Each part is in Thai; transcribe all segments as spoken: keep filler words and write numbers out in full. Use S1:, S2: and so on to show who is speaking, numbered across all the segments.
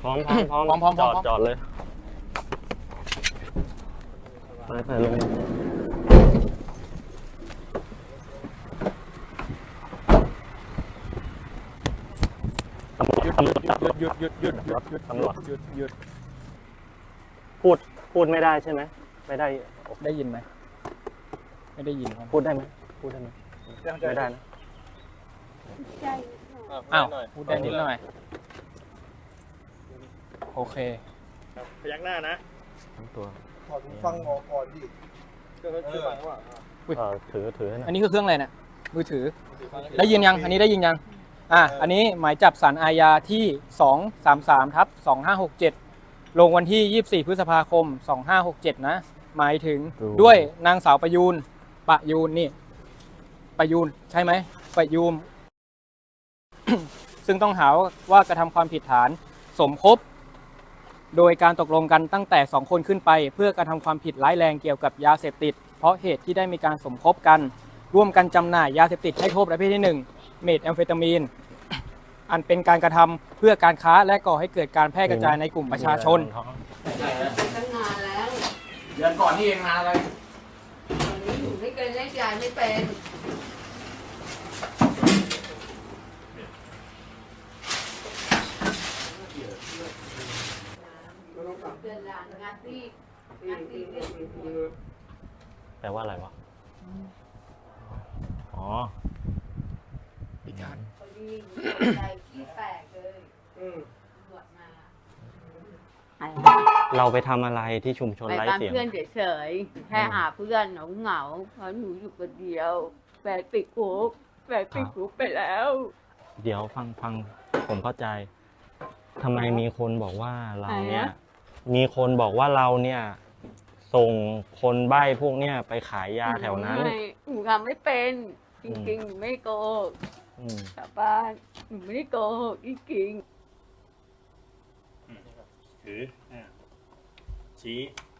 S1: พร้อมพร้อมพร้อม
S2: พร้อมพร้อม
S1: จอด
S2: พร้อม
S1: จอดเลยไปไปลงตำรวจตำรวจ
S2: หยุดหยุดหยุดหยุดหยุด
S1: ตำรวจ
S2: หยุดหยุด
S1: พูดพูดไม่ได้ใช่ไหมไม่ได้
S2: ได้ยินไหมไม่ได้ยินครับ
S1: พูดได้ไหมพูดได้ไหมไม่ได้นะ
S2: อ้าวพูดได้นิดหน่อยโอเค
S3: พยักหน้านะ
S1: ทั้งตัว
S4: ถอดหูฟังออกก่อนดิ
S3: ก็คือฟังว่า
S2: อุ๊ย
S1: เออถือถือให้หน่
S2: อั
S1: อน ย
S2: นี้คือเครื่องอะไรเนี่ยมือถือได้ยินยังอันนี้ได้ยินยังอ่ะอันนี้หมายจับศาลอาญาที่สองสามสามทับสองห้าหกเจ็ดลงวันที่ยี่สิบสี่พฤษภาคมสองห้าหกเจ็ดนะหมายถึงด้วยนางสาวประยูนประยูนนี่ประยูนใช่ไหมประยูน ซึ่งต้องหาว่ากระทำความผิดฐานสมคบโดยการตกลงกันตั้งแต่สองคนขึ้นไปเพื่อกระทำความผิดร้ายแรงเกี่ยวกับยาเสพติดเพราะเหตุที่ได้มีการสมคบกันร่วมกันจำหน่ายยาเสพติดให้โทษประเภทที่หนึ่งเมทแอมเฟตามีนอันเป็นการกระทำเพื่อการค้าและก่อให้เกิดการแพร่กระจายในกลุ่มประชาชน
S5: ตั้งนานแล้ว
S2: เดือนก่อนนี่เองนานเลย
S5: ตอนนี้หนูไม่เคยเล่นยายไม่เป็นเดือนหลังงานที่งานที่เรียก
S1: แปลว่าอะไรวะอ๋อ
S2: อีกครั้ง
S5: พอดีใจขี้แตกเลยตำรวจมา
S1: เราไปทำอะไรที่ชุมชน
S5: ไป
S1: ไร้
S5: บ้าน
S1: เสียง
S5: เพื่อนเฉยๆแค่หาเพื่อนเหงาเหงาๆเพราะหนูอยู่คนเดียวแฟนติดคุกแฟนติดคุกไปแล้ว
S1: เดี๋ยวฟังฟังผมเข้าใจทำไมมีคนบอกว่าเราเนี่ย มีคนบอกว่าเราเนี่ย ส่งคนใบ้พวกเนี่ยไปขายยาแถวนั้น
S5: ไม่หนูทำไม่เป็น จริงๆหนูไม่โกหก
S1: อืม
S5: กลับบ้านหนูไม่ได้โกหกจริงๆ
S3: ถืออ่าชี้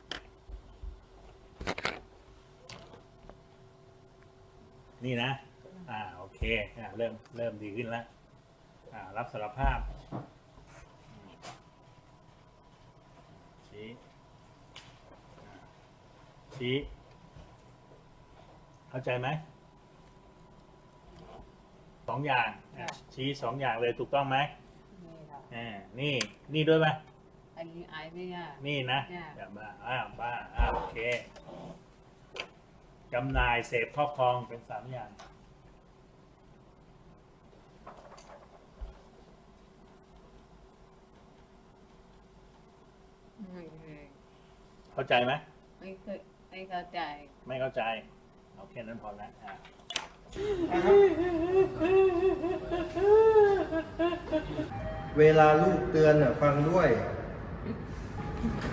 S3: นี่นะอ่าโอเคอ่าเริ่มเริ่มดีขึ้นแล้วอ่ารับสารภาพชี้ชี้เข้าใจไหมสองอย่างอ่ะชี้สองอย่างเลยถูกต้องไหม
S5: นี่ค่ะ
S3: อ่านี่นี่ด้วยไหม
S5: อันนี้ไอ้ไม่ยาก
S3: นี่นะ
S5: เนี่ย
S3: อย่าบ้าอ้าวบ้าอ้าวโอเคจำหน่ายเสพครอบครองเป็นสามอย่าง
S5: ไม่เคย
S3: เข้าใจไหม
S5: ไม่เคยไม่เข้าใจ
S3: ไม่เข้าใจเอาแค่นั้นพอแล้วอ่ะ
S4: เวลาลูกเตือนน่ะฟังด้วย